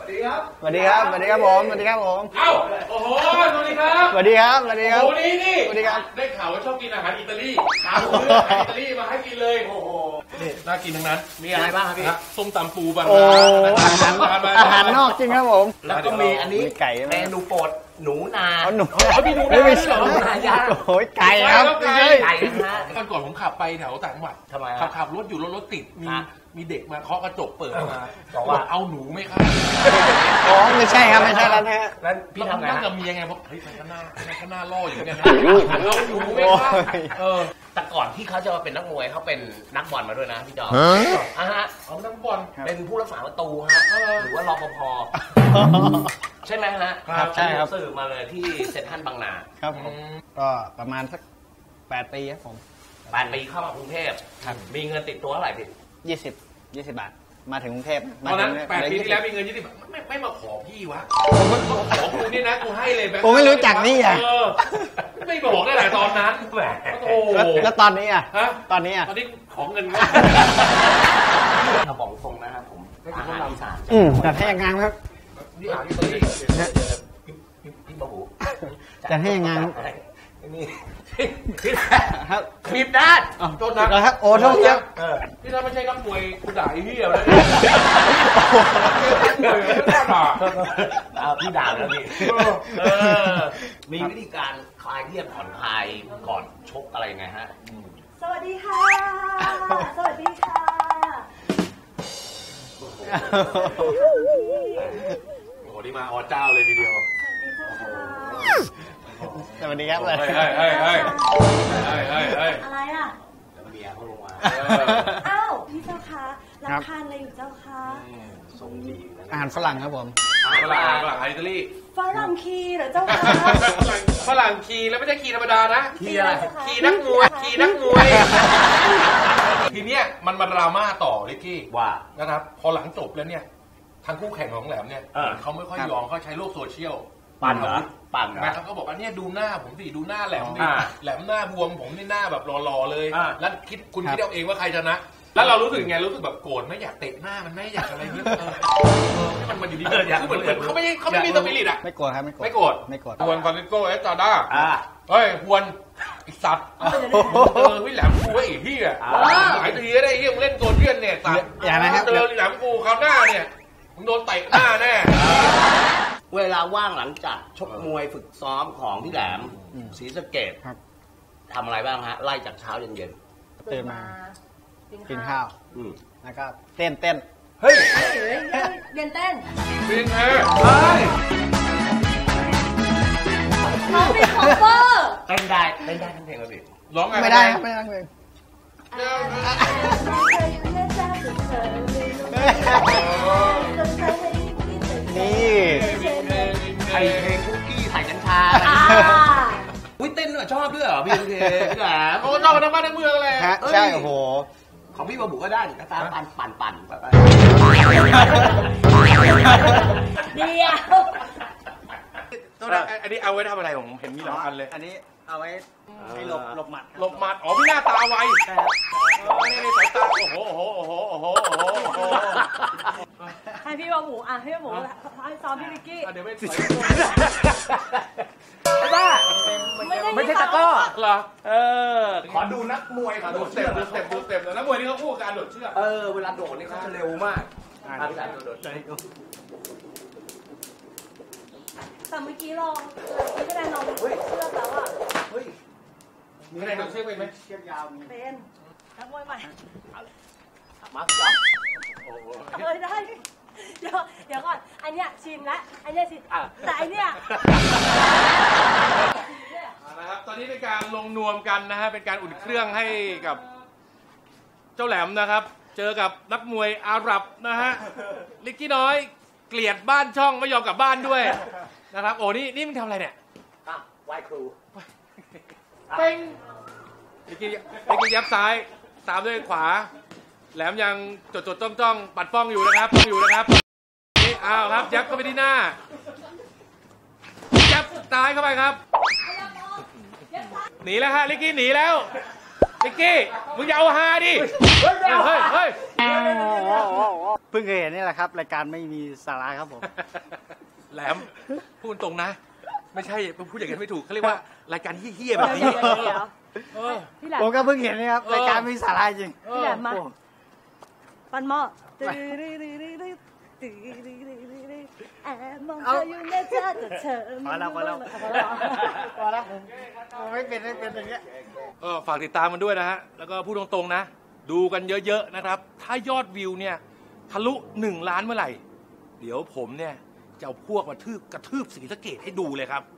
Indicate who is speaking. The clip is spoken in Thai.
Speaker 1: ดีครับ
Speaker 2: สวัสดีครับสวัสดีครับผมสวัสดีครับผม
Speaker 1: เอ้าโอ้โหสวัสดีครับ
Speaker 2: สวัสดีครับสวัสดีครับ
Speaker 1: โอ้นี่
Speaker 2: สวัสดีครับ
Speaker 1: ได้ข่าวว่าชอบกินอาหารอิตาลีถามซื้ออาหารอิตาลีมาให้กินเลยโอ้โหนี่น่ากินทั้งนั้น
Speaker 3: มีอะไรบ้างครับพี่
Speaker 1: ส้มตำปูปลา
Speaker 2: อาหารนอกจริงครับผม
Speaker 3: แล้วก็มีอันนี้
Speaker 2: ไก่
Speaker 3: เมนูโปรดหนูนา
Speaker 2: หนู
Speaker 1: มีหนู
Speaker 2: ไม่ใช่
Speaker 3: หนูนายา
Speaker 2: โอ้ยไก่ครับ
Speaker 3: ไก่นะฮะ
Speaker 1: ตอนก่อนผมขับไปแถวต่างจังหวัด
Speaker 3: ทำไม
Speaker 1: ขับรถอยู่รถติดมีเด็กมาเคาะกระจกเปิดมา
Speaker 3: บอกว่า
Speaker 1: เอาหนูไหมครับ
Speaker 2: อ๋อไม่ใช่ครับไม่ใช่แล้วนะ
Speaker 3: แล้วพี่ทำไง
Speaker 1: นั่งกับเมียไงบอกเฮ้ยมันก็น่าล่ออยู่เนี่ยนะเอาหนูไหมครับ
Speaker 3: แต่ก่อนที่เขาจะมาเป็นนักมวยเขาเป็นนักบอลมาด้วยนะพี่จอมฮะ
Speaker 1: เอานักบอล
Speaker 3: เป็นผู้รักษาประตูฮะหรือว่ารปภใช่ไหมฮะ
Speaker 2: ครับใช่ครับ
Speaker 3: สื่อมาเลยที่เซ็นทรัลบางนา
Speaker 2: ครับผมก็ประมาณสัก8 ปีครับผม
Speaker 3: 8 ปีเข้ามากรุงเทพมีเงินติดตัวเท่าไหร่พี่
Speaker 2: 20 บาทมาถึงกรุงเทพ
Speaker 1: ตอนนั้น8 ปีที่แล้วมีเงิน20 บาทไม่มาขอพี่วะขอกูนี่นะกูให้เลย
Speaker 2: ผมไม่รู้จักนี่อ่ะ
Speaker 1: ไม่บอกได้หลายตอนนั้นแหมโอ้
Speaker 2: แล้วตอนนี้อ่ะตอนนี้
Speaker 1: ของเงิน
Speaker 3: ถ้าบอกตรงนะครับผมอาหารอีสาน
Speaker 2: จัดให้ยังไงครับ
Speaker 3: นี่อาหารตัวนี้พี่บะหู
Speaker 2: จัดให้ยังไง
Speaker 3: นี่ครับบีบด้าน
Speaker 1: โทษนะครับ
Speaker 2: โอ้โทษเยอะ
Speaker 1: พี่ถ้าไม่ใช่นักมวยกูด่าไอ้เหี้ยเลย
Speaker 3: พี่ด่าแล้วพี่มีวิธีการคลายเครียดผ่อนคลายก่อนชกอะไรไงฮะ
Speaker 4: สวัสดีค่ะสวัสดีค่ะ
Speaker 1: โอ้โหนี่มาอเจ้าเลยทีเดียว
Speaker 2: สวัสดีครับเลย
Speaker 4: อะไรอ่ะ
Speaker 3: แล้วเมียเขาลงมา
Speaker 4: อ้าวพี่เจ้าคะรับทานอะไรอยู่เจ้าคะ
Speaker 3: ทรงดี
Speaker 2: อาหารฝรั่งครับผม
Speaker 1: ฝรั่งอิตาลี
Speaker 4: ฝรั่งคีเหรอเจ้าคะ
Speaker 1: ฝรั่งคีแล้วไม่ใช่คีธรรมดานะ
Speaker 3: คีอะไร
Speaker 1: คีนักมวยทีเนี้ยมันมาดราม่าต่อลิกกี้
Speaker 3: ว่า
Speaker 1: นะครับพอหลังจบแล้วเนี่ยทางคู่แข่งของแหลมเนี่ยเขาไม่ค่อยยอมเขาใช้โลกโซเชียล
Speaker 3: ปั่นเหรอ
Speaker 1: นะครับเขาบอกว่าเนี่ยดูหน้าผมสิดูหน้าแหลมดิแหลมหน้าบวมผมนี่หน้าแบบหล่อๆเลยแล้วคุณคิดเอาเองว่าใครชนะแล้วเรารู้สึกไงรู้สึกแบบโกรธไม่อยากเตะหน้ามันไม่อยากอะไรเงี้ยมันอยู่ดีเหมือนเขาไม่มีสปิริตอ่ะ
Speaker 2: ไม่โกรธครับไม่โกรธ
Speaker 1: ฮวนฟรานซิสโกเอสตาด้าเฮ้ยฮวนอีสัตว์วิแหลมกูไอ้พี่อ่ะหลายทีได้เรื่องเล่นโซเชียลเนี่ยสัตว์
Speaker 2: อย่างนั้นครับ
Speaker 1: เจอแหลมกูคราวหน้าเนี่ยมึงโดนเตะหน้าแน่
Speaker 3: เวลาว่างหลังจากชกมวยฝึกซ้อมของพี่แหลมศรีสะเกษทำอะไรบ้างฮะไล่จากเช้าเย็น
Speaker 2: ตื่นมากินข้าวแล้วก็เต้น
Speaker 4: เฮ้ยเรียนเต้น
Speaker 1: เป็นไง
Speaker 4: น้องเป็นคอฟเวอร์
Speaker 3: เต้นได้ทั้งเพลงเลย
Speaker 1: ร้องไง
Speaker 2: ไม่ได้ครับไม่ได้เพลงนี่
Speaker 3: ไอเพลงคุกกี้ใส่กัญชาอุ้ยเต้นด้วยชอบด้วยเหรอพี่โอเคพี่แหลม
Speaker 1: โอ้ชอบทั้งบ้านทั้งเมืองเลย
Speaker 2: ใช่โอ้โห
Speaker 3: ของพี่บะบุก็ได้กระตาปั่น
Speaker 4: เดียว
Speaker 1: อันนี้เอาไว้ทำอะไรผมเห็นมีหลายอันเลย
Speaker 2: อันนี้เอาไว้ให้หลบหมัด
Speaker 1: อ๋อพี่หน้าตาไว
Speaker 2: ใช่ครับ
Speaker 1: นี่สายตาโอ้โห
Speaker 4: ให้พี่บะหมูให้พี่บะหมูให้ซ้อมพี่วิกกี้
Speaker 1: เดี๋ยวไม่
Speaker 3: บ้าไม่ใช่ตะก้อ
Speaker 1: เหรอ
Speaker 3: ขอดูนักมวยขอดู
Speaker 1: สเต็ปแล้วนักมวยนี่เขาคู่การโดดเชือก
Speaker 3: เวลาโดดนี่เขาจะเร็วมากโดด
Speaker 4: แต่เมื่อกี้ลองพี่คะแนนลองเชือกแล้วอ่ะ
Speaker 1: มีคะแนนโดดเชือกไหม
Speaker 2: เชือกยาว
Speaker 4: เป็นนักมวยใหม่
Speaker 3: มาจ๊อบ
Speaker 4: ได้เดี๋ยวก่อนอันเนี้ยชิมแล้วอันเนี้ยชิมแต่อันเนี้ย
Speaker 1: นะครับตอนนี้เป็นการลงนวมกันนะฮะเป็นการอุ่นเครื่องให้กับเจ้าแหลมนะครับเจอกับนักมวยอาหรับนะฮะลิกกี้น้อยเกลียดบ้านช่องไม่ยอมกลับบ้านด้วยนะครับโอ้นี่มึงทำอะไรเนี่ย
Speaker 3: ไหว้ครู
Speaker 1: เป้งลิกกี้ยับซ้ายตามด้วยขวาแหลมยังจดจ้องปัดป้องอยู่นะครับนี่อ้าวครับยับเข้าไปที่หน้ายับซ้ายเข้าไปครับหนีแล้วฮะลิกกี้หนีแล้วลิกกี้มึงอย่าเอาฮาดิเฮ้ย
Speaker 5: เพิ่งเคยเห็นนี่แหละครับรายการไม่มีสาระครับผม
Speaker 1: แหลมพูดตรงนะ ไม่ใช่พูดอย่างนั้นไม่ถูกเขาเรียกว่ารายการเฮี้ยๆแบบนี้
Speaker 4: เดี๋ยว
Speaker 1: เออ
Speaker 4: พี่แหลม
Speaker 5: ผมก็เพิ่งเห็นนี่ครับรายการไม่มีสาระจริง
Speaker 4: พี่แหลมมา
Speaker 5: โอ้
Speaker 4: ปันหม้อแอบมองเธออยู่นะจ๊ะแต่เธอ
Speaker 5: พอแล้วพอแล้วผมไม่เป็นอย่างเงี้ย
Speaker 1: ฝากติดตามมันด้วยนะฮะ แล้วก็พูดตรงๆนะ ดูกันเยอะๆนะครับ ถ้ายอดวิวเนี่ยทะลุ1 ล้านเมื่อไหร่ เดี๋ยวผมเนี่ยจะเอาพวกมากระทืบศรีสะเกษให้ดูเลยครับ